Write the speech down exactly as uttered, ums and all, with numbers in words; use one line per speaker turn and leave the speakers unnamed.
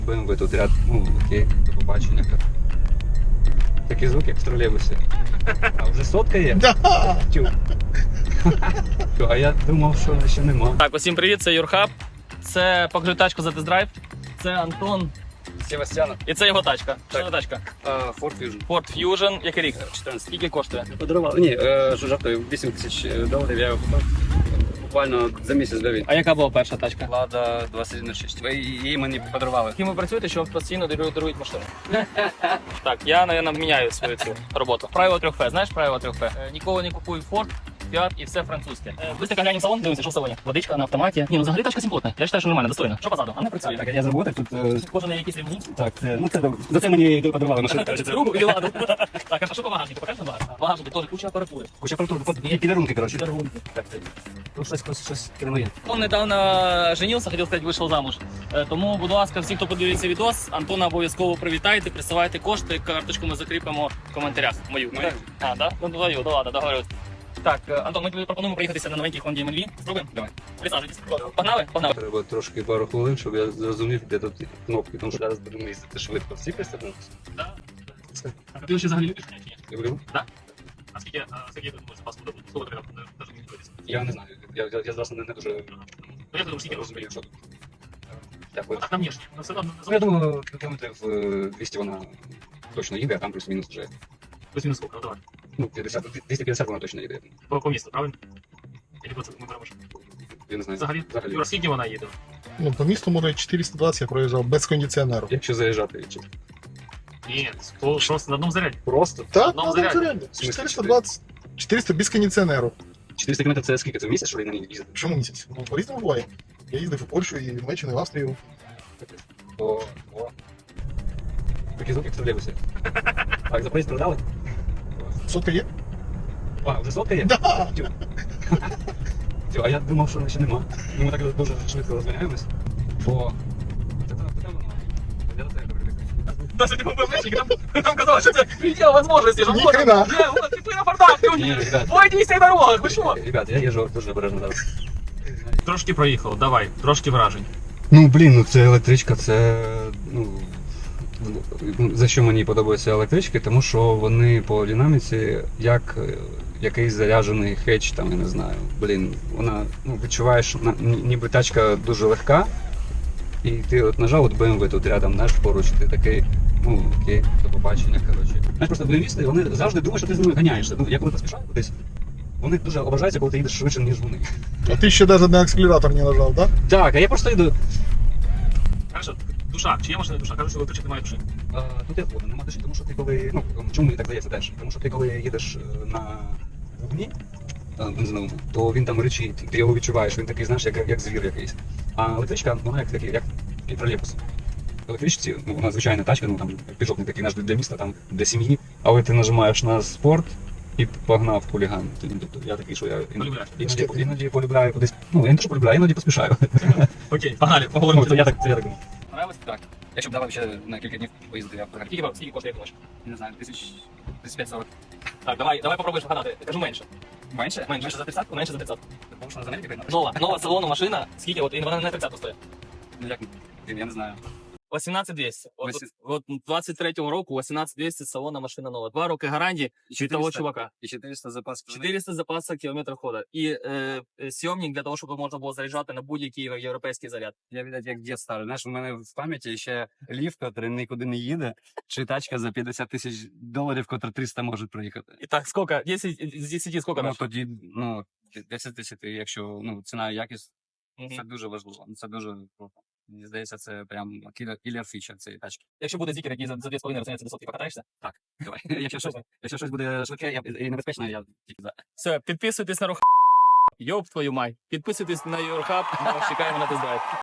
бэ эм вэ тут ряд, ну окей, до побачення. Такі звуки, як в тролейбусі. А вже сотка є?
Да.
Тю. А я думав, що ще нема.
Так, усім привіт, це Юрхаб. Це покажи тачку за тест-драйв. Це Антон.
Севастьяна.
І це його тачка. Що
Так.
за тачка?
Ford Fusion.
Ford Fusion. Який рік?
чотирнадцять.
Скільки коштує?
Подарували. Ні, е, що жартую, вісім тисяч доларів я його купив. Буквально за місяць до війни.
А яка була перша тачка?
Лада двадцять один шість. Ви її мені подарували.
Ким ви працюєте, що вам постійно дарують, дарують машини? Так, я, мабуть, міняю свою цю роботу. Правило трьох Ф. Знаєш правило трьох Ф? Е, Ніколи не купуй Ford, Fiat і все французьке. Е, Быстренько глянемо в салон, дивимося, що в салоні. Водичка на автоматі. Ні, ну взагалі тачка симпотна. Я вважаю, що нормально, достойно. Що позаду? А не працює.
Так, я заработав тут. е,
Кожен якийсь ремонт.
Так, це, ну це за це мені подарували машину.
Другу і ладу. Так, а що по багажнику? Покажи на багажник. Багажник теж куча апаратури.
Куча апаратури, і підарунки, коротше.
Підарунки.
Так, це. Тут щось, щось, щось керує.
Он недавно женився, хотів сказати, вийшов замуж. Е, Тому, будь ласка, всі, хто подивиться відос, Антона обов'язково привітайте, присилайте кошти, карточку ми закріпимо в коментарях. Мою.
Мою?
А, да? Ну, твою, ну ладно, договорюсь. Так, е, Антон, ми тобі пропонуємо проїхатися на новенькій Honda ем ел ві. Спробуємо?
Давай.
Присаджуйтесь. Погнали? Погнали.
Треба трошки пару хвилин, щоб я зрозумів, де тут кнопки, тому що зараз будемо їздити швидко. Всі пристебнулися?
Да. А ти ще взагалі любиш чи ні?
Люблю.
А скільки, а скільки ти думаєш, запас буде? Сколько тобі там навіть не дивитися?
Я не знаю. Я, я, я зараз не, не дуже
Ну, я думаю, скільки
розумію,
розумієш.
що тут. Дякую.
Так, на внешні. Ну, все одно,
Ну, я думаю, кілометрів е, двісті вона точно їде, а там плюс-мінус вже.
плюс-мінус сколько? Ну, давай.
Ну, п'ятдесят, двісті п'ятдесят вона точно їде.
По, по місту, правильно? Или по ми беремо?
Я не знаю.
Взагалі?
Взагалі.
Юра, скільки вона їде?
Ну, по місту, може, чотириста двадцять я проїжджав без кондиціонеру.
Якщо заїжджати, чи
Ні, просто на одному заряді.
просто
Так,
одному
на одному
заряді.
заряді.
В смислі
чотириста двадцять. чотириста без кондиціонеру.
чотириста кілометрів це скільки? Це в місяць, що ли, на ній їздити?
Чому місяць? Ну, по-різному буває. Я їздив у Польщу, і в Німеччину, і в Австрію.
О, о. Такі звуки, як в тролейбусі. Так, за проїзд продали?
Сотка є?
А, вже сотка є?
Да!
Тю. Тю, а я думав, що ще нема. Ну, ми так дуже швидко розганяємось. Бо... Це там, це там, я до тебе привик.
Даже не ППшник, там, там казалось, что это предел возможностей, что
Ни
можно.
хрена.
Не, вот ты на фордах, ты
Ні, ребят,
Бойтесь на дорогах, ви що?
ребят, я їжджу дуже обережно зараз.
Трошки проїхав, давай, трошки вражень.
Ну, блін, ну це електричка, це, ну, ну, за що мені подобаються електрички, тому що вони по динаміці як е, якийсь заряджений хедж, там, я не знаю, блін, вона, ну, відчуваєш, на- ні- ніби тачка дуже легка, і ти от нажав от бэ эм вэ тут рядом, знаєш, поруч, ти такий, ну, окей, до побачення, коротше. Знаєш, просто бэ эм вісти, вони завжди думають, що ти з ними ганяєшся. Ну, я коли поспішаю кудись, вони дуже ображаються, коли ти їдеш швидше, ніж вони.
А ти ще навіть на акселератор не нажав, так?
Так, а я просто йду.
Хорошо, душа, чия машина душа? Кажуть, що електричок немає душі.
А, тут я згоден, нема душі, тому що ти коли. Ну, чому мені так здається теж? Тому що ти коли їдеш е, на вогні е, бензиновому, то він там речить, ти його відчуваєш, він такий, знаєш, як, як звір якийсь. А електричка, вона як такий, як і тролейбус. Електричці, ну, вона звичайна тачка, ну там пішов не такий наш для міста, там для сім'ї, але ти нажимаєш на спорт і погнав хуліган. Тобто я такий, що я іноді,
Полюбляєш.
іноді, іноді полюбляю кудись. Ну, я не те, що полюбляю, іноді поспішаю.
Окей, погнали,
Ну,
поговоримо.
то я так, це я так думаю.
Понравилось?
Так. Якщо б давав ще на кілька днів поїздити, я б взагалі.
Скільки, скільки коштує, як думаєш?
Не знаю, тисяч тридцять п'ять сорок.
Так, давай, давай попробуєш вгадати. Кажу менше.
Менше?
Менше за тридцятку, менше за тридцятку.
Тому що на Америці прийняли?
Нова, нова салону машина. Скільки, от, і вона не тридцятку стоїть.
Ну як, я не знаю.
вісімнадцять двісті. От,
Вісім-
от, от двадцять третього року вісімнадцять двісті салона машина нова. Два роки гарантії від того чувака.
І чотириста запас.
чотириста запасів кілометрів ходу. І е, е, сйомник для того, щоб можна було заряджати на будь-який європейський заряд.
Я, видать, як дід старий. Знаєш, у мене в пам'яті ще ліфт, який нікуди не їде, чи тачка за п'ятдесят тисяч доларів, котра триста може проїхати.
І так, скільки? десять з десяти скільки
Ну,
наш?
тоді, ну, десять тисяч, якщо, ну, ціна і якість,
Мгм.
це дуже важливо. Це дуже круто. Мені здається, це прям кілер фіча цієї тачки.
Якщо буде зікер, який за, за дві з половиною розганяється до сотки, покатаєшся?
Давай. Якщо щось, якщо щось буде швидке я- і небезпечне, я тільки за.
Все, підписуйтесь на Рухаб. Йоп твою май. Підписуйтесь на Юрхаб, ми вас чекаємо на тест-драйв.